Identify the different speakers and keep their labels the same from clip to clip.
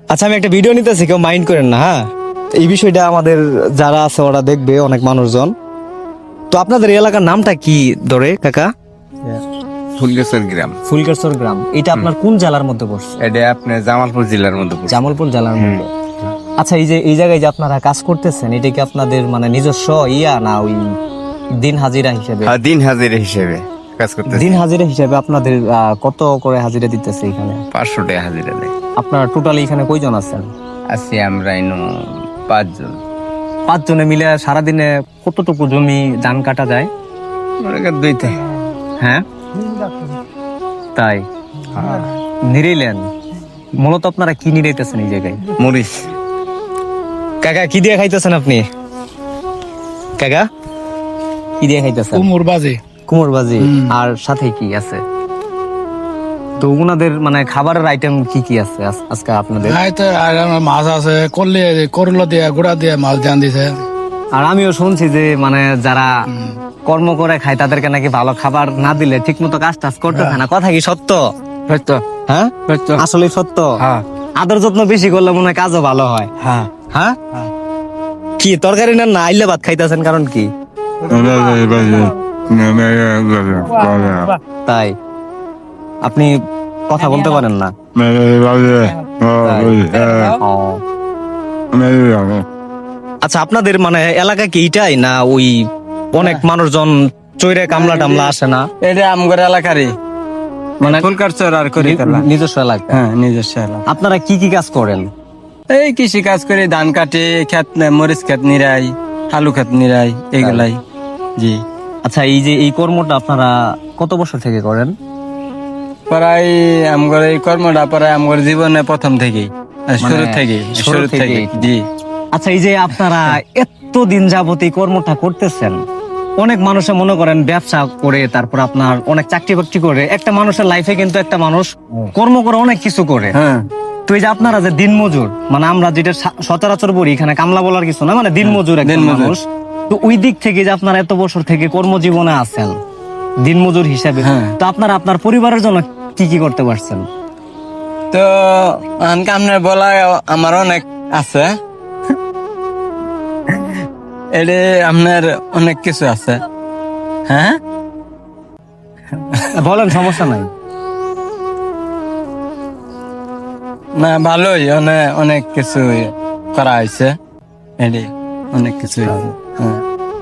Speaker 1: আচ্ছা আমি একটা ভিডিও নিতেছি, কেউ মাইন্ড করেন না। হ্যাঁ, এই বিষয়টা আমাদের যারা আছে ওরা দেখবে, অনেক মানুষজন। তো আপনাদের এই এলাকার নামটা কি ধরে কাকা?
Speaker 2: ফুলগাছের গ্রাম।
Speaker 1: ফুলগাছর গ্রাম। এটা আপনার কোন জেলার মধ্যে পড়ছে?
Speaker 2: এটা আপনার জামালপুর জেলার মধ্যে পড়ছে।
Speaker 1: জামালপুর জেলার মধ্যে। আচ্ছা, এই যে এই জায়গায় যে আপনারা কাজ করতেছেন, এটা কি আপনাদের মানে নিজস্ব না ওই দিন হাজিরা হিসেবে?
Speaker 2: হ্যাঁ, দিন হাজিরা হিসেবে কাজ করতেছে।
Speaker 1: দিন হাজিরা হিসেবে আপনাদের কত করে হাজিরা দিতেছে এখানে?
Speaker 2: 500 টাকা হাজিরা দেয়।
Speaker 1: আপনারা টোটালি এখানে কয়জন আছেন?
Speaker 2: আছি আমরা ইনো 5 জন।
Speaker 1: 5 জনে মিলে সারাদিনে কতটুকু জমি ধান কাটা যায়?
Speaker 2: দুইতে।
Speaker 1: হ্যাঁ, তাই নিরেইলেন। মূলত আপনারা কি নিরাইতেছেন এই জায়গায়?
Speaker 2: মরিচ।
Speaker 1: কাকা কি দিয়ে খাইতেছেন আপনি? কাকা কি দিয়ে খাইতেছেন?
Speaker 3: কুমড় বাজে।
Speaker 1: কুমড় ভাজি। আর সাথে কি আছে? তো উনাদের মানে খাবারের আইটেম কি কি আছে আজকে আপনাদের?
Speaker 3: আর আমার মাছ আছে, করলা দিয়ে গুড়া দিয়ে মাছ ধ্যান দিছে।
Speaker 1: আর আমিও শুনছি যে মানে যারা কর্ম করে খায় তাদেরকে নাকি ভালো খাবার না দিলে ঠিক মতো কাজ টাজ করতেছে না। কথা কি সত্য?
Speaker 3: সত্য।
Speaker 1: হ্যাঁ,
Speaker 3: সত্য।
Speaker 1: আসলে সত্য।
Speaker 3: হ্যাঁ
Speaker 1: আদর যত্ন বেশি করলে মনে হয় কাজও ভালো হয়।
Speaker 3: হ্যাঁ।
Speaker 1: হ্যাঁ, কি তরকারি না আইলে ভাত খাইতেছেন কারণ কি? তাই আপনি কথা বলতে পারেন না? ও। আচ্ছা, আপনাদের মানে এলাকা কি এইটাই না ওই অনেক মানুষজন চৈরে কামলা টামলা আসে না?
Speaker 3: এটা আমগর এলাকারই, মানে ফুলকারচর আর করি
Speaker 1: নিজস্ব এলাকা।
Speaker 3: হ্যাঁ, নিজস্ব এলাকা।
Speaker 1: আপনারা কি কি কাজ করেন?
Speaker 3: এই কৃষি কাজ করে, ধান কাটে, মরিচ ক্ষেত নিরাই, আলু ক্ষেত নিরাই, এগুলাই। জি।
Speaker 1: আচ্ছা, এই যে এই কর্মটা আপনারা কত বছর থেকে করেন?
Speaker 3: প্রায় আমগর এই কর্মটা প্রায় আমগর জীবনে প্রথম থেকেই, শুরু থেকে। জি।
Speaker 1: আচ্ছা, এই যে আপনারা এত দিন যাবত এই কর্মটা করতেছেন, অনেক মানুষে মনে করেন ব্যবসা করে, তারপর আপনার অনেক চাকরি বাকরি করে। একটা মানুষের লাইফে কিন্তু একটা মানুষ কর্ম করে অনেক কিছু করে।
Speaker 3: হ্যাঁ।
Speaker 1: তো এই যে আপনারা যে দিনমজুর, মানে আমরা যেটা সচরাচর বলি এখানে কামলা বলার কিছু না, মানে দিনমজুর একজন মানুষ। তো ওই দিক থেকে যে আপনারা এত বছর থেকে কর্মজীবনে আছেন দিনমজুর হিসাবে, তো আপনারা আপনার পরিবারের জন্য কি কি করতে পারছেন?
Speaker 3: তো আপনার বলা আমার অনেক আছে, এটা আপনার অনেক কিছু আছে। হ্যাঁ,
Speaker 1: বলেন, সমস্যা নাই।
Speaker 3: না ভালোই, অনেক কিছু করা হয়েছে, এটি অনেক কিছু। হ্যাঁ।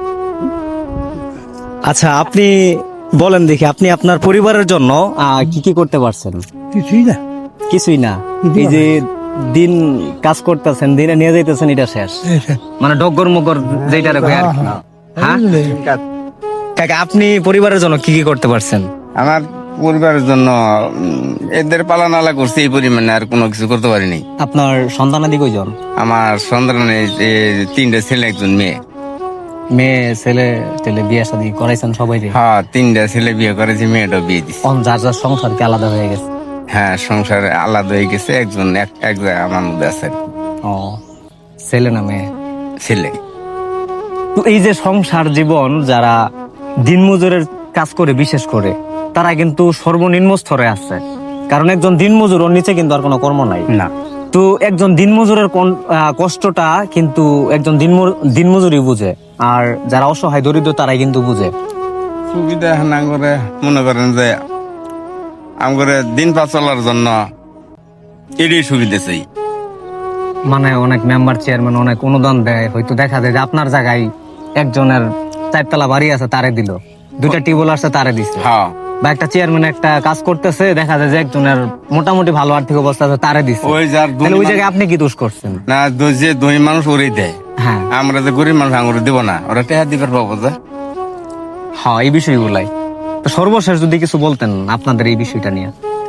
Speaker 1: আচ্ছা, আপনি বলেন দেখি, আপনি আপনার পরিবারের জন্য কি কি করতে পারছেন?
Speaker 3: কিছুই না।
Speaker 1: কিছুই না। এই যে দিন কাজ করতেছেন, দিনে নিয়ে যাইতেছেন, এটা শেষ, মানে ডগর মগর যেটা রেখে আর কি। হ্যাঁ কাকা, আপনি পরিবারের জন্য কি কি করতে পারছেন?
Speaker 2: আমার পরিবারের জন্য এদের পালানালা করছি এই পরিমাণে, আর কোনো কিছু করতে পারিনি।
Speaker 1: আপনার সন্তানাদি কয়জন?
Speaker 2: আমার সন্তানের 3টা ছেলে, 1 মেয়ে।
Speaker 1: মেয়ে ছেলে টেলে বিয়ে শাদী করাইছেন সবাই?
Speaker 2: হ্যাঁ, 3টা ছেলে বিয়ে করেছে, মেয়েটাও বিয়ে দিচ্ছে।
Speaker 1: যার যার সংসার কি আলাদা হয়ে গেছে?
Speaker 2: হ্যাঁ, সংসার আলাদা হয়ে গেছে। একজন এক জায়গায় আমার মধ্যে আছে আর কি।
Speaker 1: ও, ছেলে না মেয়ে?
Speaker 2: ছেলে।
Speaker 1: তো এই যে সংসার জীবন, যারা দিনমজুরের কাজ করে বিশেষ করে, তারা কিন্তু সর্বনিম্ন স্তরে আছে। কারণ একজন দিনমজুর, ওর নিচে কিন্তু আর কোনো কর্ম নাই
Speaker 2: না।
Speaker 1: তো একজন দিনমজুরের কষ্টটা কিন্তু একজন দিনমজুরই বুঝে, আর যারা অসহায় দরিদ্র তারাই কিন্তু বুঝে।
Speaker 2: সুবিধা না করে মনে করেন যে আমগরে দিন পাস চলার জন্য এটাই সুবিধা চাই।
Speaker 1: মানে অনেক মেম্বার চেয়ারম্যান অনেক অনুদান দেয়, হয়তো দেখা যায় যে আপনার জায়গায় একজনের 4তলা বাড়ি আছে, তারে দিল, 2টা টিউবওয়েল আছে, তারে দিচ্ছে।
Speaker 2: হ্যাঁ।
Speaker 1: বা একটা চেয়ারম্যান একটা কাজ করতেছে, দেখা যায় যে একজনের মোটামুটি ভালো আর্থিক অবস্থা আছে, তারে দিচ্ছে।
Speaker 2: ওই যার
Speaker 1: তাহলে ওই জায়গায় আপনি কি দোষ করছেন?
Speaker 2: না, যে ধনী মানুষ ওরাই দেয়।
Speaker 1: হ্যাঁ,
Speaker 2: আমরা যে গরিব মানুষ আঙুরে দিব না, ওরা টেহা দিবার পাবো যে।
Speaker 1: হ্যাঁ, এই বিষয়গুলাই। তো সর্বশেষ যদি কিছু বলতেন আপনাদের এই বিষয়টা নিয়ে,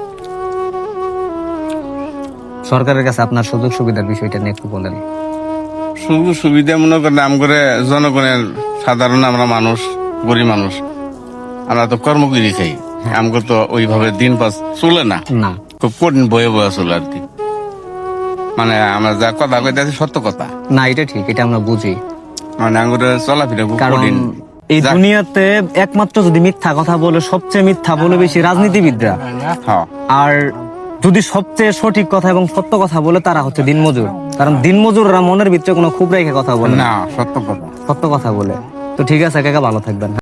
Speaker 1: সরকারের কাছে আপনার সুযোগ সুবিধার বিষয়টা নিয়ে একটু বলেন।
Speaker 2: সুযোগ সুবিধা মনে করেন আমগরে জনগণের, সাধারণ আমরা মানুষ, গরিব মানুষ, আমরা তো কর্ম করি খাই। আমগো তো ওইভাবে দিন পাস চলে না,
Speaker 1: না,
Speaker 2: খুব কঠিন বয়ে বয়ে চলে আর কি। মানে আমরা যা কথা কইতেছি সত্য কথা
Speaker 1: না, এটা ঠিক, এটা আমরা বুঝি।
Speaker 2: মানে আঙ্গুরে চলাফেরা খুব
Speaker 1: কারণ
Speaker 2: কঠিন।
Speaker 1: এই দুনিয়াতে একমাত্র যদি মিথ্যা কথা বলে, সবচেয়ে মিথ্যা বলে বেশি রাজনীতিবিদরা।
Speaker 2: হ্যাঁ।
Speaker 1: আর যদি সবচেয়ে সঠিক কথা এবং সত্য কথা বলে তারা হচ্ছে দিনমজুর, কারণ দিনমজুররা মনের ভিতরে কোনো খুব রেখে কথা বলে না,
Speaker 2: না, সত্য কথা।
Speaker 1: সত্য কথা বলে। তো ঠিক আছে কাকা, ভালো থাকবেন।